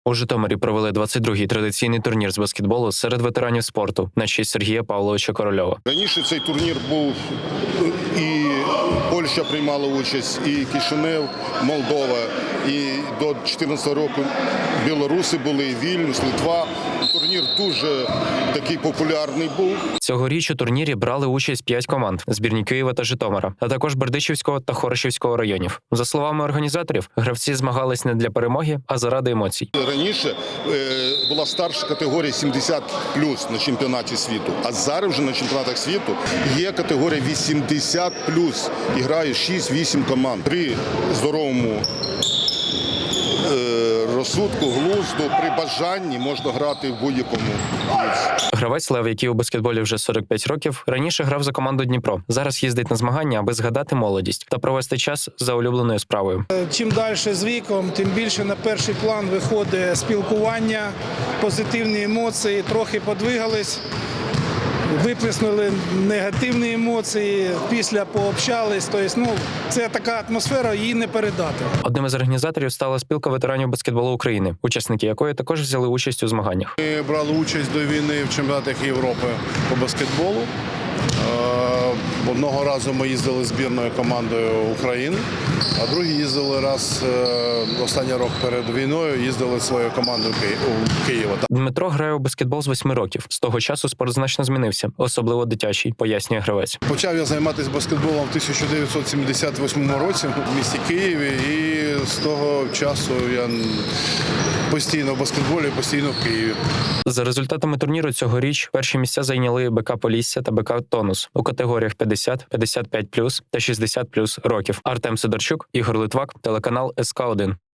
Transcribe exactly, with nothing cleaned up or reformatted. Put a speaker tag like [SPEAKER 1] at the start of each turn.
[SPEAKER 1] У Житомирі провели двадцять другий традиційний турнір з баскетболу серед ветеранів спорту на честь Сергія Павловича Корольова.
[SPEAKER 2] Раніше цей турнір був, і Польща приймала участь, і Кишинев, Молдова, і до чотирнадцятого року білоруси були, Вільнюс, Литва. Турнір дуже такий популярний був.
[SPEAKER 1] Цьогоріч у турнірі брали участь п'ять команд – збірні Києва та Житомира, а також Бердичівського та Хорошівського районів. За словами організаторів, гравці змагались не для перемоги, а заради емоцій.
[SPEAKER 2] Раніше е, була старша категорія сімдесят плюс на чемпіонаті світу, а зараз вже на чемпіонатах світу є категорія вісімдесят плюс. І грає шість-вісім команд. При здоровому е, розсудку, глузду, при бажанні можна грати в будь-якому віці.
[SPEAKER 1] Гравець Лев, який у баскетболі вже сорок п'ять років, раніше грав за команду Дніпро. Зараз їздить на змагання, аби згадати молодість та провести час за улюбленою справою.
[SPEAKER 3] Чим далі з віком, тим більше на перший план виходить спілкування, позитивні емоції, трохи подвигались, виплеснули негативні емоції, після пообщались. Тобто, ну, це така атмосфера, її не передати.
[SPEAKER 1] Одним із організаторів стала спілка ветеранів баскетболу України, учасники якої також взяли участь у змаганнях.
[SPEAKER 4] Ми брали участь до війни в чемпіонатах Європи по баскетболу. Одного разу ми їздили збірною командою України, а другий їздили раз, останній рік перед війною, їздили своєю командою у Києва.
[SPEAKER 1] Дмитро грає у баскетбол з восьми років. З того часу спорт значно змінився, особливо дитячий, пояснює гравець.
[SPEAKER 4] Почав я займатися баскетболом в тисяча дев'ятсот сімдесят восьмому році в місті Києві, і з того часу я постійно в баскетболі, постійно в Києві.
[SPEAKER 1] За результатами турніру цьогоріч перші місця зайняли БК Полісся та БК Тонус у категоріях п'ятдесят, п'ятдесят п'ять плюс та шістдесят плюс років. Артем Сидорчук, Ігор Литвак, телеканал ес ка один.